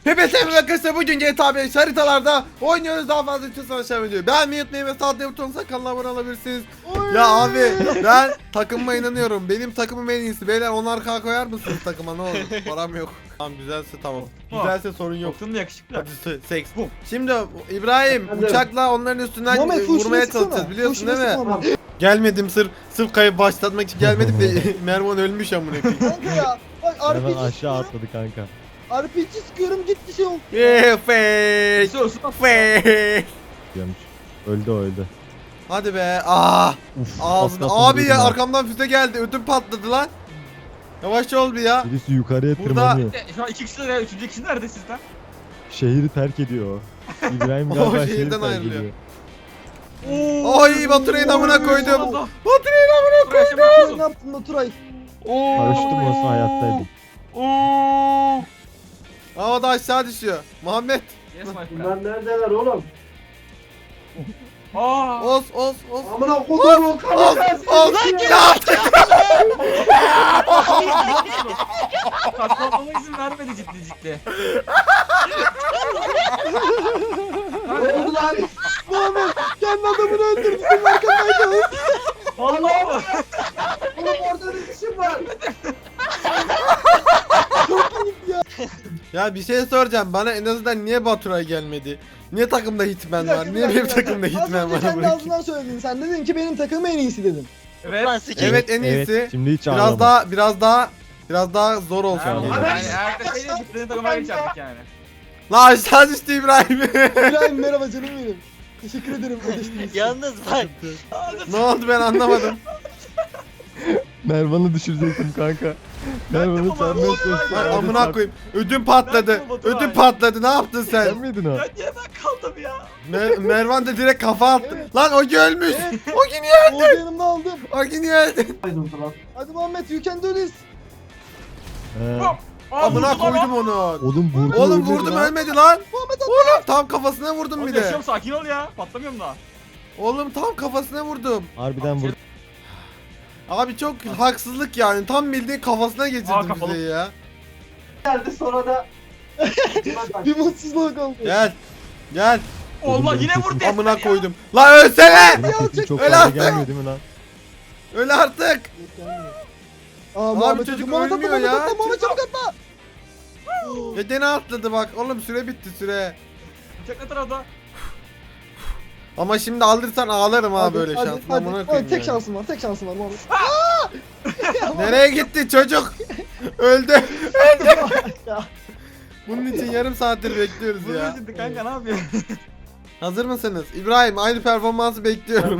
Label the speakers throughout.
Speaker 1: Hepinize merhaba arkadaşlar, bugün GTA 5 haritalarda oynuyoruz. Daha fazla için aşağı videoyu beğenmeyi unutmayın ve sağ butonuna kanala abone olabilirsiniz. Ya abi, ben takımıma inanıyorum. Benim takımım en iyisi. Beyler 10'ar koyar mısınız takıma, ne olur? Param yok. Tamam, güzelse tamam. Güzelse sorun yok.
Speaker 2: Çok da yakışıklı.
Speaker 1: Hadi seks. Şimdi İbrahim uçakla onların üstünden
Speaker 3: Muhammed,
Speaker 1: vurmaya
Speaker 3: full
Speaker 1: çalışacağız, biliyorsun değil mi?
Speaker 3: Tamam.
Speaker 1: Gelmedim, sırf kayıp başlatmak için gelmedim de Mervan ölmüş amına koyayım.
Speaker 3: Kanka ya. Bak
Speaker 4: Hemen
Speaker 3: RPG
Speaker 4: aşağı
Speaker 3: sıkıyorum.
Speaker 4: atladı kanka.
Speaker 3: RPG sıkıyorum gitti şey oldu.
Speaker 1: Fake.
Speaker 2: Sus.
Speaker 1: Fake.
Speaker 4: Diyormuş. Öldü o öldü.
Speaker 1: Hadi be. Ah.
Speaker 4: Uf,
Speaker 1: Ağzına.
Speaker 4: az kalsın
Speaker 1: Abi ya,
Speaker 4: vurdum ha.
Speaker 1: arkamdan füze geldi. Ödüm patladı lan. Yavaş ol bir ya.
Speaker 4: Birisi yukarıya
Speaker 1: Burada-
Speaker 4: tırmanıyor.
Speaker 2: Şu an 2 kişiler ya. 3. kişi nerede sizden?
Speaker 4: Şehri terk ediyor. İbrahim
Speaker 1: O
Speaker 4: galiba
Speaker 1: şehirden
Speaker 4: şehri terk
Speaker 1: ayrılıyor.
Speaker 4: ediyor.
Speaker 1: Ay, Baturay'ın amına koydum. Baturay'ın amına
Speaker 3: Ne yaptın Baturay?
Speaker 4: Paraşütüm olsa hayattaydım.
Speaker 1: Havada aşağı düşüyor. Muhammed.
Speaker 2: Yes my friend.
Speaker 5: Bunlar neredeler oğlum?
Speaker 2: Aa.
Speaker 1: Os.
Speaker 5: Amına kodum o
Speaker 1: Os. Ya.
Speaker 2: Katlanmama izin vermedi ciddi.
Speaker 5: Ne oldu lan?
Speaker 3: Muhammed kendi adamını öldürdü. Senin arkandaydı.
Speaker 2: Allah.
Speaker 5: Oğlum orada bir işim var.
Speaker 1: Ya bir şey soracağım. Bana en azından niye Baturay gelmedi? Niye takımda Hitman var? Niye benim takımda Hitman var?
Speaker 3: Az önce kendi
Speaker 1: amına koyayım?
Speaker 3: ağzından söyledin. Sen dedin ki benim takımım en iyisi dedin.
Speaker 2: Evet.
Speaker 1: Evet, en iyisi.
Speaker 4: Evet, şimdi hiç
Speaker 1: Biraz
Speaker 4: ağlama.
Speaker 1: daha zor olsun.
Speaker 4: Yani-
Speaker 1: diye.
Speaker 2: Yani eğer de şeyle bitirdiğin takıma geçerdik yani.
Speaker 1: La aşağı düştü İbrahim.
Speaker 3: İbrahim merhaba canım benim. Teşekkür ederim ödeştiğiniz için.
Speaker 6: Yalnız bak.
Speaker 1: Ne oldu, ben anlamadım.
Speaker 4: Mervan'ı düşürecektim kanka. Mervan'ı çarmıha çalıştım.
Speaker 1: Ay, amına koyayım. Ödüm patladı.
Speaker 2: Ben de Baturay.
Speaker 1: Ödüm patladı. Ne yaptın
Speaker 4: Sen
Speaker 1: sen?
Speaker 4: miydin o?
Speaker 2: Ya niye ben kaldım ya?
Speaker 1: Mervan da direkt kafa attı.
Speaker 3: Evet.
Speaker 1: Lan o ölmüş. O gün
Speaker 3: Oğuz yanımda aldım.
Speaker 1: O gün öldü.
Speaker 3: Hadi Muhammed you can do this.
Speaker 4: He.
Speaker 1: Amına koydum onu.
Speaker 4: Oğlum vurdu
Speaker 1: Oğlum
Speaker 4: öldü
Speaker 1: vurdum,
Speaker 4: lan.
Speaker 1: ölmedi lan. Oğlum tam kafasına vurdum
Speaker 2: Oğlum
Speaker 1: bir de.
Speaker 2: yaşıyorum, sakin ol ya. Patlamıyorum daha.
Speaker 1: Oğlum tam kafasına vurdum.
Speaker 4: Harbiden vurdu.
Speaker 1: Abi çok haksızlık yani. Tam bildiğin kafasına
Speaker 2: Aa,
Speaker 1: geçirdim
Speaker 2: kapalı.
Speaker 1: bizi ya.
Speaker 5: Geldi sonra da.
Speaker 3: Bir mutsuzluk oldu.
Speaker 1: Gel.
Speaker 2: Allah
Speaker 4: benim
Speaker 2: yine
Speaker 4: sesim-
Speaker 2: vurdu.
Speaker 1: Amına koydum. Lan ölsene.
Speaker 4: Benim sesim çok
Speaker 1: öyle
Speaker 4: fazla
Speaker 1: artık.
Speaker 4: gelmiyor değil mi lan?
Speaker 1: Öl artık.
Speaker 3: Aa Muhammed
Speaker 1: çocuk
Speaker 3: Muhammed atla,
Speaker 1: ölmüyor
Speaker 3: Muhammed
Speaker 1: ya.
Speaker 3: atla, Muhammed çabuk atla.
Speaker 1: Ya gene atladı bak. Oğlum süre bitti, süre.
Speaker 2: Uçak ne tarafta?
Speaker 1: Ama şimdi alırsan ağlarım ha,
Speaker 3: Hadi,
Speaker 1: böyle
Speaker 3: hadi,
Speaker 1: şansın.
Speaker 3: hadi.
Speaker 1: Amına
Speaker 3: Hadi,
Speaker 1: koyayım
Speaker 3: tek
Speaker 1: yani.
Speaker 3: şansım var, tek şansım var Muhammed.
Speaker 1: Nereye gitti çocuk? Öldü.
Speaker 3: Ya.
Speaker 1: Bunun için yarım saattir bekliyoruz
Speaker 2: Bunu
Speaker 1: ya.
Speaker 2: şimdi kanka ne yapıyorsun?
Speaker 1: Hazır mısınız? İbrahim, aynı performansı bekliyorum.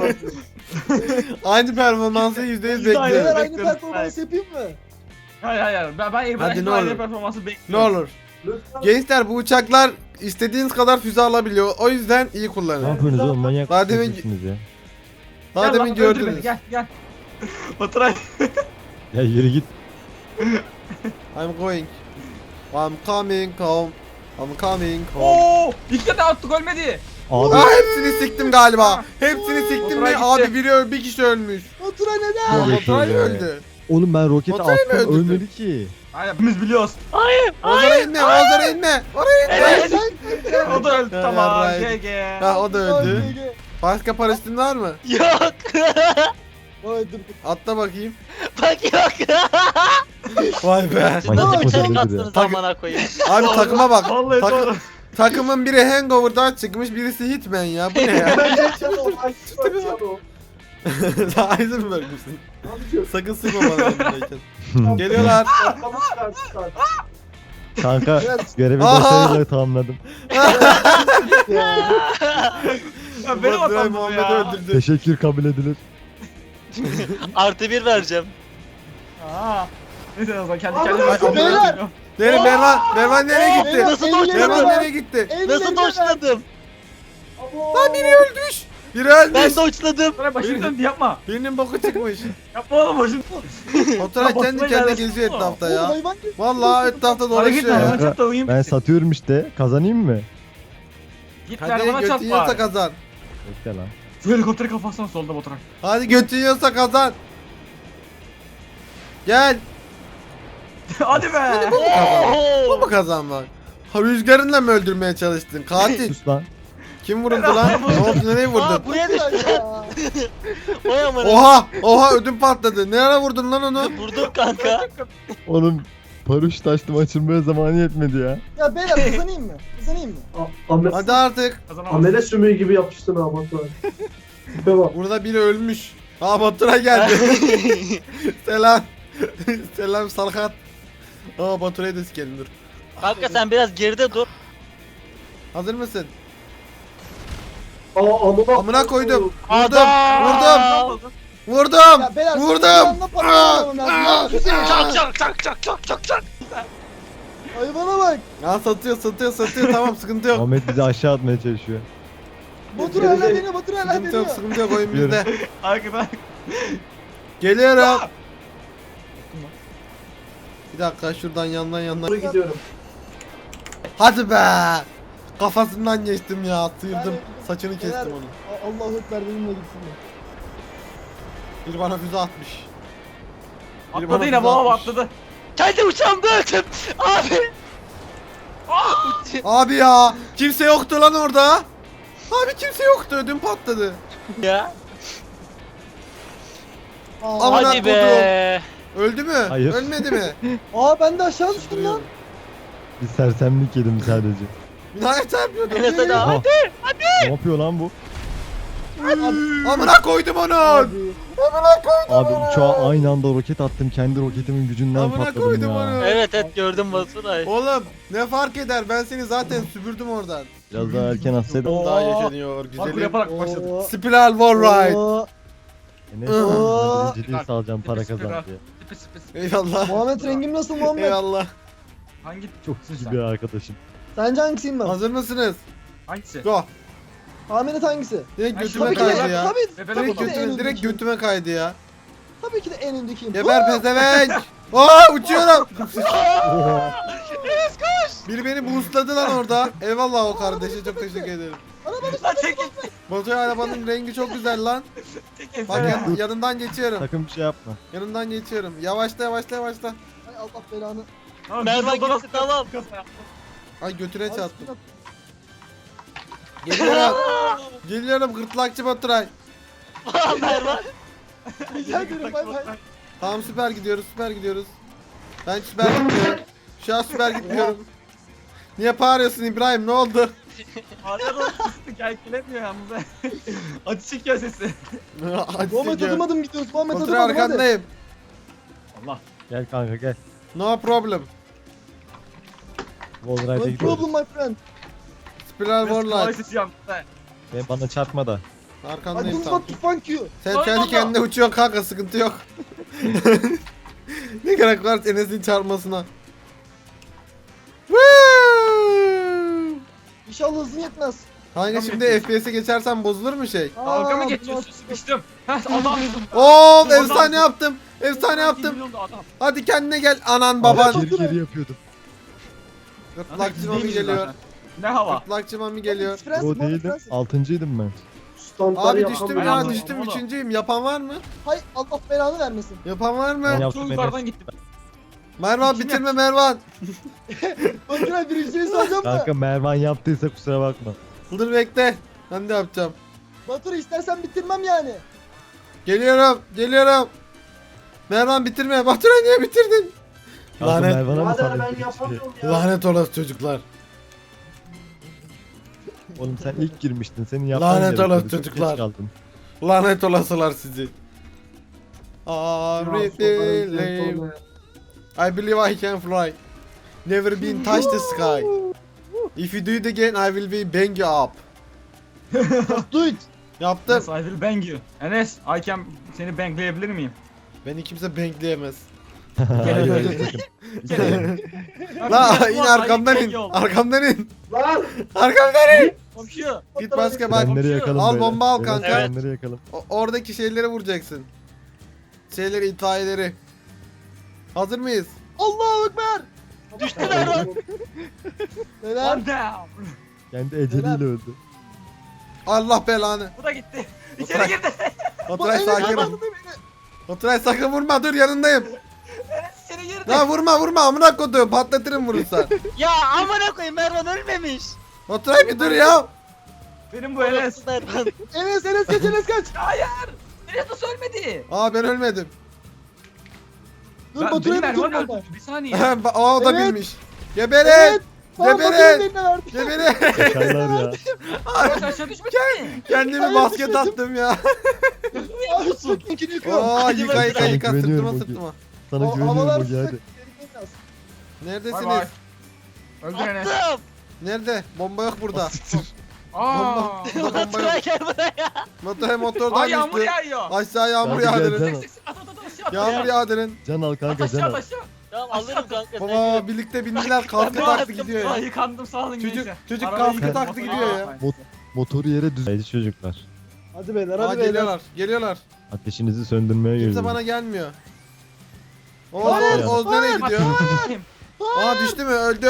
Speaker 1: Aynı performansı %100
Speaker 2: Hayır,
Speaker 3: Beyler
Speaker 1: bekliyorum.
Speaker 3: aynı performans yapayım mı?
Speaker 2: Hayır. Ben
Speaker 1: Hadi,
Speaker 2: İbrahim'in
Speaker 1: ne
Speaker 2: aynı
Speaker 1: olur.
Speaker 2: performansı
Speaker 1: Ne
Speaker 2: bekliyorum.
Speaker 1: olur. Gençler, bu uçaklar istediğiniz kadar füze alabiliyor. O yüzden iyi
Speaker 4: Ne
Speaker 1: kullanın.
Speaker 4: yapıyorsunuz oğlum, manyak
Speaker 1: Daha demin-
Speaker 4: mısınız ya?
Speaker 1: Daha
Speaker 2: Gel
Speaker 1: demin
Speaker 2: lan, öldür beni,
Speaker 1: gördünüz.
Speaker 2: Gel. Baturay.
Speaker 4: Ya yürü git.
Speaker 1: I'm going. I'm coming home. I'm coming home.
Speaker 2: Oo! İlk de attık ölmedi.
Speaker 4: Abi
Speaker 1: Aa, hepsini siktim galiba. Hepsini siktim
Speaker 2: Oturay
Speaker 1: ve
Speaker 2: gitti.
Speaker 1: abi bir kişi ölmüş.
Speaker 3: Otura neden?
Speaker 1: Aa,
Speaker 4: Evet,
Speaker 1: Baturay
Speaker 4: öyle.
Speaker 1: öldü.
Speaker 4: oğlum ben roketi
Speaker 1: Baturay mı
Speaker 4: attım
Speaker 1: öldürdü?
Speaker 4: ölmedi ki.
Speaker 2: Hayır hepimiz biliyoruz.
Speaker 1: Ozara inme, Ozara inme. Oraya inme.
Speaker 2: O da öldü,
Speaker 1: Ya,
Speaker 2: tamam.
Speaker 1: yarraydı.
Speaker 2: GG.
Speaker 1: Ha, o da öldü. Başka paraşütün var mı?
Speaker 6: Yok.
Speaker 3: Vay dur.
Speaker 1: Atla bakayım.
Speaker 6: Bak yok.
Speaker 1: Vay be.
Speaker 6: Siz nasıl
Speaker 4: Manyak
Speaker 6: bir çelik
Speaker 4: mısınız
Speaker 6: attınız
Speaker 1: Takı-
Speaker 6: amına koyayım.
Speaker 1: Abi takıma bak.
Speaker 2: Vallahi doğru.
Speaker 1: Takımın biri Hangover'dan çıkmış, birisi Hitman ya. Bu ne ya? Heisenberg misin? Sakın sıkma bana yanındayken. Geliyorlar.
Speaker 4: Kanka görevi
Speaker 1: Aha!
Speaker 4: başarıyla tamamladım.
Speaker 3: Ya.
Speaker 2: Ya benim
Speaker 1: Baturay
Speaker 2: hatam bu
Speaker 1: Muhammed'i
Speaker 2: ya.
Speaker 1: öldürdü.
Speaker 4: Teşekkür kabul edilir.
Speaker 6: +1 vereceğim.
Speaker 2: Aa. Neyse o zaman kendi
Speaker 1: Ay,
Speaker 2: kendime
Speaker 1: amına
Speaker 3: Beyler!
Speaker 1: Nereye Mervan nereye gitti?
Speaker 3: Beyler,
Speaker 6: Nasıl
Speaker 3: ellerine
Speaker 1: Mervan
Speaker 3: ver.
Speaker 1: nereye gitti?
Speaker 3: Ellerine
Speaker 6: Nasıl
Speaker 3: ver.
Speaker 6: doçladım?
Speaker 1: Lan biri ölmüş. Biri ölmüş.
Speaker 6: Ben doçladım.
Speaker 2: Baturay başını döndü yapma.
Speaker 1: Birinin boku çıkmış.
Speaker 2: Yapma oğlum başını.
Speaker 1: Oturay
Speaker 2: Ya
Speaker 1: kendi
Speaker 2: Baturay
Speaker 1: kendine
Speaker 2: nerede?
Speaker 1: geziyor etrafta
Speaker 3: Oğlum
Speaker 1: ya.
Speaker 3: hayvan gibi.
Speaker 1: Vallahi etrafta
Speaker 2: Hareket
Speaker 1: dolaşıyor
Speaker 2: ver.
Speaker 1: ya.
Speaker 4: Kanka,
Speaker 2: Çat da uyuyayım.
Speaker 4: Ben satıyorum işte. Kazanayım mı?
Speaker 2: Git
Speaker 1: Hadi
Speaker 2: ver bana
Speaker 1: götün
Speaker 2: çat
Speaker 1: yiyorsa
Speaker 2: var.
Speaker 1: kazan.
Speaker 4: Bekle lan.
Speaker 2: Şu helikopteri kafasına solda Baturay.
Speaker 1: Hadi götün yiyorsa kazan. Gel.
Speaker 2: Hadi be.
Speaker 1: Bu mu
Speaker 6: Oo.
Speaker 1: kazanmak? Ha, rüzgarınla mı öldürmeye çalıştın? Katil.
Speaker 4: Sus lan.
Speaker 1: Kim vuruldu lan? Ne oldu? Nereye vurdun?
Speaker 6: Aa, buraya düştü.
Speaker 3: Ya.
Speaker 6: Oy amına.
Speaker 1: Oha! Oha ödüm patladı. Ne ara vurdun lan onu?
Speaker 6: Vurdum kanka.
Speaker 4: Oğlum paraşüt açtım açılmaya zamanı yetmedi ya.
Speaker 3: Ya beyler kazanayım mı? Kazanayım mı?
Speaker 1: Hadi artık.
Speaker 2: Kazanamaz.
Speaker 5: Amele sümüğü gibi yapıştın ha Baturay. Tipe bak.
Speaker 1: Burada biri ölmüş. Aa Batura geldi. Selam. Selam Salhat. Aa Batura'yı da sikelim dur.
Speaker 6: Kanka sen biraz geride dur.
Speaker 1: Hazır mısın?
Speaker 5: Aa amına.
Speaker 1: Amına koydum. Vurdum.
Speaker 6: Adam!
Speaker 1: Vurdum. Vurdum.
Speaker 3: Ya beyler
Speaker 1: Vurdum.
Speaker 3: bir anda patlamam lazım.
Speaker 6: Çak.
Speaker 3: Hayvana bak.
Speaker 1: Ya satıyor tamam sıkıntı yok.
Speaker 4: Ahmet bizi aşağı atmaya çalışıyor.
Speaker 3: Batur hala deniyor. Batur hala
Speaker 1: Sıkıntı yok
Speaker 3: deniyor.
Speaker 1: sıkıntı yok oyun
Speaker 4: Yürü.
Speaker 1: bizde.
Speaker 2: Arkadan.
Speaker 1: Geliyorum. Bir dakika şuradan yandan.
Speaker 5: Doğru gidiyorum.
Speaker 1: Hadi be. Kafasından geçtim ya sıyırdım.
Speaker 3: Yani-
Speaker 1: Saçını kestim
Speaker 3: Beyler-
Speaker 1: onu.
Speaker 3: Allahu Ekber benimle gitsin.
Speaker 1: Bir bana füze atmış. Biri bana
Speaker 2: Atladı
Speaker 1: füze
Speaker 2: yine baba
Speaker 1: atmış.
Speaker 2: atladı.
Speaker 6: Kendi uçağımda öldüm. Abi.
Speaker 1: Abi ya kimse yoktu lan orada. Abi kimse yoktu ödüm patladı.
Speaker 6: Ya.
Speaker 1: Amına
Speaker 6: Hadi be.
Speaker 1: Öldü mü?
Speaker 4: Hayır.
Speaker 1: Ölmedi mi?
Speaker 3: Ben de aşağı düştüm lan.
Speaker 4: Bir sersemlik yedim sadece.
Speaker 1: Binaya çarpıyordum.
Speaker 6: Enes hadi
Speaker 4: Aha.
Speaker 6: abi.
Speaker 4: Ne yapıyor lan bu?
Speaker 1: Amına koydum onu.
Speaker 3: Abi.
Speaker 4: Abi uçağa aynı anda roket attım. Kendi roketimin gücünden
Speaker 1: Amına
Speaker 4: patladım
Speaker 1: koydum
Speaker 4: ya.
Speaker 1: onu.
Speaker 6: Evet gördüm Baturay.
Speaker 1: Oğlum ne fark eder ben seni zaten süpürdüm oradan.
Speaker 4: Biraz daha erken atsaydım.
Speaker 1: Daha yaşanıyor
Speaker 2: Parkur
Speaker 1: güzelim.
Speaker 2: yaparak başladı.
Speaker 3: Oo.
Speaker 1: Spiral Wall Ride.
Speaker 3: Oo.
Speaker 4: Enes
Speaker 3: Oo.
Speaker 4: birinciliği sağlayacağım para
Speaker 2: Süper.
Speaker 4: kazan diye.
Speaker 2: Sıpı.
Speaker 1: Eyvallah.
Speaker 3: Muhammed rengim nasıl Muhammed?
Speaker 1: Eyvallah.
Speaker 2: Hangi?
Speaker 4: Çok sıkıcı bir arkadaşım.
Speaker 3: Sence hangisiyim ben?
Speaker 1: Hazır mısınız?
Speaker 2: Hangisi?
Speaker 1: Go.
Speaker 3: Ahmet hangisi?
Speaker 1: Direkt
Speaker 2: Ay,
Speaker 1: götüme
Speaker 3: Tabii ki de,
Speaker 1: kaydı ya.
Speaker 3: tabii
Speaker 1: Direkt
Speaker 3: ki de en
Speaker 1: götüme, direkt
Speaker 3: öndekiyim.
Speaker 1: götüme kaydı ya.
Speaker 3: Tabii ki de en öndekiyim.
Speaker 1: Geber pezevenk. Aa uçuyorum. Biri beni boostladı lan orada. Eyvallah o kardeşe çok teşekkür ederim.
Speaker 2: Lan çekil.
Speaker 1: Batu arabanın rengi çok güzel lan.
Speaker 2: Çekil.
Speaker 1: Bak yanından geçiyorum.
Speaker 4: Sakın bir şey yapma.
Speaker 1: Yanından geçiyorum. Yavaşla.
Speaker 3: Ay Allah belanı.
Speaker 6: Merhaba gitti tamam.
Speaker 1: Ay götüne
Speaker 3: Ay,
Speaker 1: çarptım.
Speaker 3: bismillah.
Speaker 1: Geliyorum. Geliyorum gırtlakçı Baturay.
Speaker 6: Merhaba.
Speaker 3: Rica ederim bay bay.
Speaker 1: Tamam süper gidiyoruz. Ben süper gitmiyorum. Şu an süper gitmiyorum. Niye bağırıyorsun İbrahim ne oldu?
Speaker 2: Arkadan fıstık erkelemiyor yalnız. Acı çekiyor sesi.
Speaker 1: Hadi
Speaker 3: Muhammed
Speaker 1: gidiyorum.
Speaker 3: adım gidiyoruz. Muhammed
Speaker 1: Baturay
Speaker 3: adım hadi.
Speaker 1: arkandayım.
Speaker 2: Allah.
Speaker 4: Gel kanka gel.
Speaker 1: No problem.
Speaker 4: Wallride'e
Speaker 3: No
Speaker 4: gidiyoruz.
Speaker 3: problem my friend.
Speaker 1: Spiral
Speaker 2: Kolay
Speaker 1: Warlight.
Speaker 2: sesi yandı.
Speaker 4: Ve bana çarpma da.
Speaker 3: I
Speaker 1: Arkandayım
Speaker 3: don't
Speaker 1: tamam.
Speaker 3: want to funk you.
Speaker 1: Sen kendi kendine uçuyorsun kanka sıkıntı yok. Ne gerek var Enes'in çarpmasına. Woo!
Speaker 3: İnşallah hızın yetmez.
Speaker 1: Kanka şimdi FPS'e geçersen bozulur mu şey?
Speaker 2: Dalga mı
Speaker 3: Aa,
Speaker 2: geçiyorsun? Sıkıştım. Heh adam.
Speaker 1: Oo efsane yaptım. Efsane yaptım.
Speaker 2: Adam.
Speaker 1: Hadi kendine gel anan baban.
Speaker 4: Abi geri yapıyordum.
Speaker 1: Gırtlakçı mami
Speaker 2: Değilmiş
Speaker 1: geliyor.
Speaker 2: zaten. Ne hava?
Speaker 1: Gırtlakçı mami geliyor.
Speaker 3: Friends,
Speaker 4: O
Speaker 3: Muhammed
Speaker 4: değildim.
Speaker 3: Friends.
Speaker 4: 6.'ydım ben.
Speaker 5: Standları
Speaker 1: Abi
Speaker 5: yapan
Speaker 1: düştüm
Speaker 5: ben
Speaker 1: ya
Speaker 2: yaptım.
Speaker 1: düştüm
Speaker 2: Oğlum.
Speaker 1: üçüncüyüm. Yapan var mı?
Speaker 3: Hay Allah belanı vermesin.
Speaker 1: Yapan var
Speaker 4: Ben
Speaker 1: mı?
Speaker 4: yaptım
Speaker 2: Çok
Speaker 4: Enes.
Speaker 2: yukarıdan gittim.
Speaker 1: Mervan
Speaker 2: Kim
Speaker 1: bitirme Mervan.
Speaker 3: Baturay birinciliği soracağım da.
Speaker 4: Kanka Mervan yaptıysa kusura bakma.
Speaker 1: Dur bekle. Ben de yapacağım.
Speaker 3: Baturay istersen bitirmem yani.
Speaker 1: Geliyorum. Mervan bitirme. Baturay niye bitirdin?
Speaker 4: Kanka
Speaker 1: Lanet.
Speaker 4: Mervan'a mı
Speaker 5: Birader
Speaker 4: saldın?
Speaker 5: ben yapamıyorum ya.
Speaker 1: Lanet olası çocuklar.
Speaker 4: Oğlum sen ilk girmiştin. Senin yapman
Speaker 1: Lanet
Speaker 4: gerekiyordu.
Speaker 1: olası
Speaker 4: Çok geç
Speaker 1: çocuklar.
Speaker 4: kaldın.
Speaker 1: Lanet olasılar sizi. I
Speaker 5: Ya,
Speaker 1: believe. I believe I can fly. Never been touch the sky. If you do it again I will be bang you up.
Speaker 3: Do it.
Speaker 1: Yaptım.
Speaker 2: Yes, I will bang you. Enes, I can seni bangleyebilir miyim?
Speaker 1: Beni kimse bangleyemez.
Speaker 4: Hayır hayır sakın.
Speaker 1: La in arkamdan in. Arkamdan in.
Speaker 5: Lan
Speaker 1: Arkamdan in.
Speaker 6: Komşu.
Speaker 1: Git başka bak.
Speaker 4: Frenleri yakalım
Speaker 1: Al
Speaker 4: böyle.
Speaker 1: bomba al
Speaker 4: Evet,
Speaker 1: kanka.
Speaker 4: frenleri yakalım.
Speaker 1: Oradaki şeyleri vuracaksın. Şeyleri itfaiyeleri. Hazır mıyız?
Speaker 3: Allahu Ekber.
Speaker 6: Düştü Mervan.
Speaker 3: Neler?
Speaker 2: One down.
Speaker 4: Kendi eceliyle öldü.
Speaker 1: Allah belanı.
Speaker 2: Bu da gitti. İçeri girdi.
Speaker 1: Baturay
Speaker 3: Enes
Speaker 1: sakin ol.
Speaker 3: anladın beni.
Speaker 1: Baturay sakın vurma dur yanındayım.
Speaker 2: Enes içeri yerde.
Speaker 1: Lan vurma amına koduğum patlatırım vurursan.
Speaker 6: Ya amına koyayım Mervan ölmemiş.
Speaker 1: Baturay bir dur ya.
Speaker 2: Benim bu Enes.
Speaker 6: Mervan.
Speaker 3: Enes kaç Enes kaç.
Speaker 2: Hayır. Enes nasıl ölmedi?
Speaker 1: Aa ben ölmedim.
Speaker 3: Dur
Speaker 2: Benim
Speaker 3: Baturay'a bir
Speaker 2: Mervan
Speaker 3: tur
Speaker 2: öldü.
Speaker 3: baba.
Speaker 2: Bir saniye.
Speaker 1: Aa o da
Speaker 3: Evet.
Speaker 1: bilmiş. Geberin.
Speaker 3: Evet. Tamam
Speaker 1: Geberin.
Speaker 3: Baturay'ın eline verdim.
Speaker 1: Geberin.
Speaker 4: Şakarlar ya.
Speaker 2: Barış aşağı düşmedi mi?
Speaker 1: Kendimi
Speaker 3: Hayır,
Speaker 1: basket
Speaker 3: düşmedim.
Speaker 1: attım ya.
Speaker 3: Abi sırtınkini yıkıyorum.
Speaker 1: Aa yıka yıka
Speaker 6: Sana
Speaker 1: yıka
Speaker 4: güveniyorum
Speaker 1: sırtıma
Speaker 4: Ogi.
Speaker 1: sırtıma.
Speaker 4: Sana güveniyorum
Speaker 3: Havalar
Speaker 4: Ogi
Speaker 3: sıcak.
Speaker 4: hadi.
Speaker 3: tehlikeli biraz.
Speaker 2: Bay
Speaker 1: Neredesiniz?
Speaker 2: bay. Öldür Enes.
Speaker 6: Attım.
Speaker 1: Nerede? Bomba yok burada.
Speaker 2: Aaa.
Speaker 1: Burada bomba
Speaker 6: Baturay
Speaker 1: yok.
Speaker 6: gel buraya.
Speaker 1: Motor
Speaker 2: Aa
Speaker 1: motordan
Speaker 2: yağmur
Speaker 1: düştü.
Speaker 2: yağıyor.
Speaker 1: Aşağı yağmur
Speaker 4: Hadi gel,
Speaker 1: yağdırın.
Speaker 4: can al.
Speaker 2: At aşağı at.
Speaker 1: Yağmur yağdırın.
Speaker 4: Can al kanka can
Speaker 2: Aşağı
Speaker 4: al.
Speaker 2: aşağı.
Speaker 6: Tamam alırım kanka. sen
Speaker 1: Baba
Speaker 6: gel.
Speaker 1: birlikte bindiler kaskı
Speaker 6: Ben
Speaker 1: taktı
Speaker 6: de
Speaker 1: gidiyor
Speaker 2: Aa
Speaker 1: ya.
Speaker 2: yıkandım sağ olun
Speaker 1: Çocuk-
Speaker 2: gençler.
Speaker 1: çocuk
Speaker 2: Arabayı
Speaker 1: kaskı
Speaker 2: yıkadım,
Speaker 1: taktı
Speaker 2: motoru-
Speaker 1: gidiyor ya.
Speaker 2: Aa,
Speaker 4: Motoru yere düz. Haydi çocuklar.
Speaker 3: Hadi beyler
Speaker 1: Aa
Speaker 3: hadi beyler.
Speaker 1: geliyorlar geliyorlar.
Speaker 4: Ateşinizi söndürmeye
Speaker 1: Kimse
Speaker 4: geliyorum.
Speaker 1: bana gelmiyor.
Speaker 3: Hayır,
Speaker 1: Oğuz nereye
Speaker 2: Bak,
Speaker 1: gidiyor? Aa düştü mü? Öldü.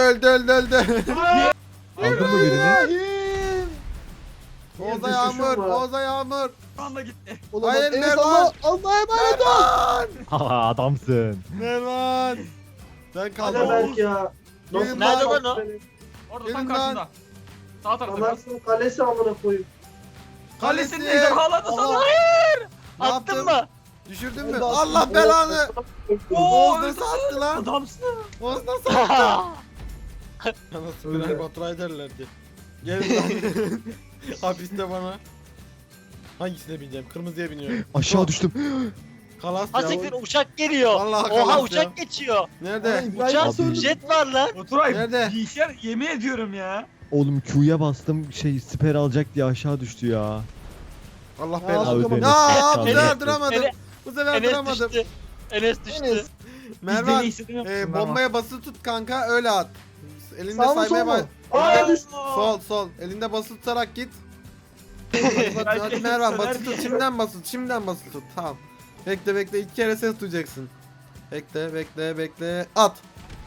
Speaker 4: Aldın mı birini?
Speaker 3: İbrahim.
Speaker 1: Oğuz'a
Speaker 5: düşüşüm
Speaker 1: yağmur.
Speaker 5: var.
Speaker 1: Oğuz'a yağmur.
Speaker 2: Şu anda gitti.
Speaker 3: Ulan
Speaker 1: Hayır,
Speaker 3: bak, Enes
Speaker 1: Mervan.
Speaker 3: Allah'a emanet ol.
Speaker 1: Mervan.
Speaker 4: Ha adamsın.
Speaker 1: Mervan. Ben
Speaker 5: Hadi
Speaker 1: kaldım.
Speaker 5: belki ya.
Speaker 1: Gelin
Speaker 6: Nerede
Speaker 1: lan.
Speaker 6: lan o?
Speaker 2: Orada
Speaker 1: Gelin
Speaker 2: tam
Speaker 1: lan.
Speaker 2: karşında. Sağ tarafta biraz.
Speaker 5: Anasının kalesi amına koyayım.
Speaker 2: Kalesinde
Speaker 1: Kalesi.
Speaker 2: ejderhaladı sana.
Speaker 1: Allah. Ne
Speaker 6: Attın
Speaker 1: yaptın?
Speaker 6: mı?
Speaker 1: Düşürdün mü?
Speaker 3: Hadi attım.
Speaker 1: Allah belanı.
Speaker 2: Oo
Speaker 1: Oğuz
Speaker 2: öldü.
Speaker 1: nasıl attı lan?
Speaker 2: Adamsın.
Speaker 1: Oğuz nasıl attı? Nasıl birer Baturay derlerdi. Gelin lan. Hapiste bana. Hangisine bineceğim? Kırmızıya biniyorum.
Speaker 4: Aşağı düştüm.
Speaker 1: Kalas
Speaker 6: Ha
Speaker 1: ya.
Speaker 6: siktir uçak geliyor.
Speaker 1: Vallahi
Speaker 6: Oha
Speaker 1: kalas
Speaker 6: uçak
Speaker 1: ya.
Speaker 6: geçiyor.
Speaker 1: Nerede?
Speaker 3: İbrahim
Speaker 6: Uçak
Speaker 3: nasıl öldü?
Speaker 6: jet var lan.
Speaker 2: Oturay
Speaker 1: Nerede?
Speaker 2: bilgisayar yemin ediyorum ya.
Speaker 4: Oğlum Q'ya bastım siper alacak diye aşağı düştü ya.
Speaker 1: Allah
Speaker 3: Ya,
Speaker 1: belanı.
Speaker 3: abi,
Speaker 4: Enes.
Speaker 1: Aa bu
Speaker 6: Enes.
Speaker 1: sefer duramadım.
Speaker 6: Enes-
Speaker 1: Bu sefer
Speaker 6: Enes
Speaker 1: duramadım.
Speaker 6: düştü. Enes düştü.
Speaker 3: Enes.
Speaker 1: Mervan
Speaker 2: Mervan.
Speaker 1: bombaya basılı tut kanka öyle at. Elinde
Speaker 3: Sağ mı,
Speaker 1: saymaya
Speaker 3: sol
Speaker 1: bak.
Speaker 3: mu?
Speaker 5: Aa düştü.
Speaker 1: Sol. Elinde basılı tutarak git. Hadi Mervan basılı tut. Şimdiden basılı tut. Tamam. Bekle 2 kere ses duyacaksın. Bekle. At.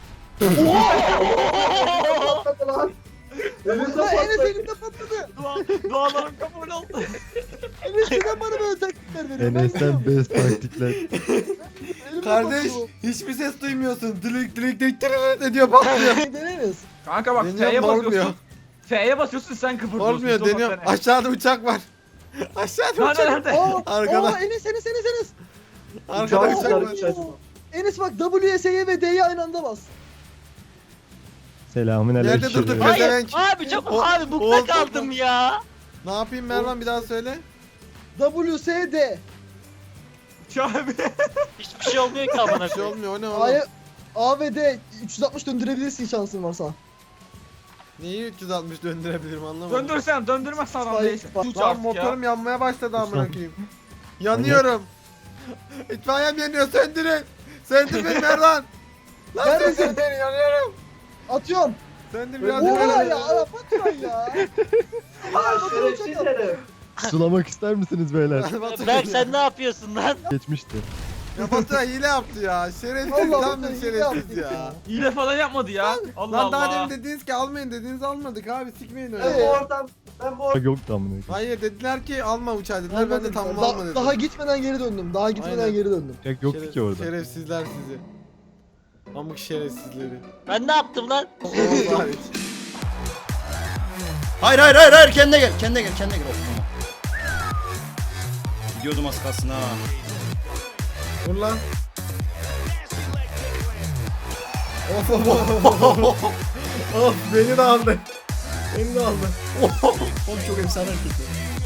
Speaker 5: Patladı lan. Elimde
Speaker 3: Ulan Enes
Speaker 5: patladı.
Speaker 3: elimde patladı.
Speaker 2: Dualarım kabul oldu.
Speaker 3: Enes neden bana böyle taktikler veriyor? Ben
Speaker 4: Enes'ten best taktikler.
Speaker 3: elimde
Speaker 1: Kardeş
Speaker 3: patladı
Speaker 1: hiçbir ses duymuyorsun. Dilik ediyor patlıyor.
Speaker 3: bu. Dene Enes.
Speaker 2: Kanka bak
Speaker 1: Deniyorum,
Speaker 2: F'ye
Speaker 1: olmuyor.
Speaker 2: basıyorsun. F'ye basıyorsun sen kıpırdıyorsun.
Speaker 1: Olmuyor
Speaker 2: Stop
Speaker 1: deniyor.
Speaker 2: seni.
Speaker 1: Aşağıda uçak var. Aşağıda
Speaker 2: Nerede
Speaker 1: uçak.
Speaker 2: nerede?
Speaker 1: Arkada.
Speaker 3: Aa Enes.
Speaker 1: Arkada
Speaker 5: Uçağı
Speaker 1: uçak
Speaker 5: uçarı
Speaker 1: var.
Speaker 5: uçacak.
Speaker 3: Enes bak WS'ye ve D'ye aynı anda bas.
Speaker 4: Selamün
Speaker 1: Nerede
Speaker 4: aleyküm.
Speaker 1: durduk?
Speaker 6: Hayır
Speaker 1: Pezevenk.
Speaker 6: abi çok
Speaker 1: O-
Speaker 6: abi bukta
Speaker 1: Oğuz
Speaker 6: kaldım ya.
Speaker 1: Ne yapayım Mervan bir daha söyle.
Speaker 3: WSD.
Speaker 2: Abi.
Speaker 6: Hiçbir şey olmuyor ki amına
Speaker 1: Bir şey
Speaker 6: koyayım.
Speaker 1: olmuyor o ne oğlum?
Speaker 3: A'ya A ve D 360 döndürebilirsin şansın varsa.
Speaker 1: Neyi 360 döndürebilirim anlamadım.
Speaker 2: Döndürsen döndürmezsen adam
Speaker 3: Spy-
Speaker 2: değilsin.
Speaker 3: Spy-
Speaker 2: Uç
Speaker 1: Lan
Speaker 2: artık ya.
Speaker 1: motorum yanmaya başladı amına
Speaker 4: Ulan.
Speaker 1: koyayım. Yanıyorum. İtfaiyem yanıyor söndürün. Söndür beni Mervan. Lan
Speaker 3: Neredesin?
Speaker 1: söndür beni yanıyorum.
Speaker 3: Atıyorum.
Speaker 1: Söndür biraz
Speaker 3: Oha
Speaker 1: beni.
Speaker 3: ya Arap atma ya.
Speaker 5: Aa şerefsiz herif.
Speaker 4: Sulamak ister misiniz beyler?
Speaker 6: Berk sen ne yapıyorsun lan?
Speaker 4: Geçmişti.
Speaker 1: Ya Baturay hile yaptı ya. Şerefsiz
Speaker 3: Allah
Speaker 1: tam bir
Speaker 3: Allah, hile
Speaker 1: şerefsiz
Speaker 3: yaptık
Speaker 1: ya.
Speaker 3: ya.
Speaker 2: Hile falan yapmadı ya. Allah
Speaker 1: Lan daha
Speaker 2: Allah.
Speaker 1: demin dediniz ki almayın dediniz almadık abi sikmeyin öyle.
Speaker 5: Ben bu oradan
Speaker 4: Yoktu amına koyayım.
Speaker 1: Hayır dediler ki alma uçağı dediler ben de tamam
Speaker 3: Da-
Speaker 1: alma dedim.
Speaker 3: Daha gitmeden geri döndüm. Daha gitmeden
Speaker 1: Aynen.
Speaker 3: geri döndüm.
Speaker 4: Uçak yoktu ki orada.
Speaker 1: Şerefsizler sizi. Pamuk şerefsizleri.
Speaker 6: Ben ne yaptım lan?
Speaker 1: Oğuz hariç.
Speaker 7: Hayır kendine gel. Kendine gel. Of, tamam. Gidiyordum az kalsın ha.
Speaker 1: Vur lan. Of of beni de aldı. Beni de aldı.
Speaker 7: Oğlum çok efsane hareket.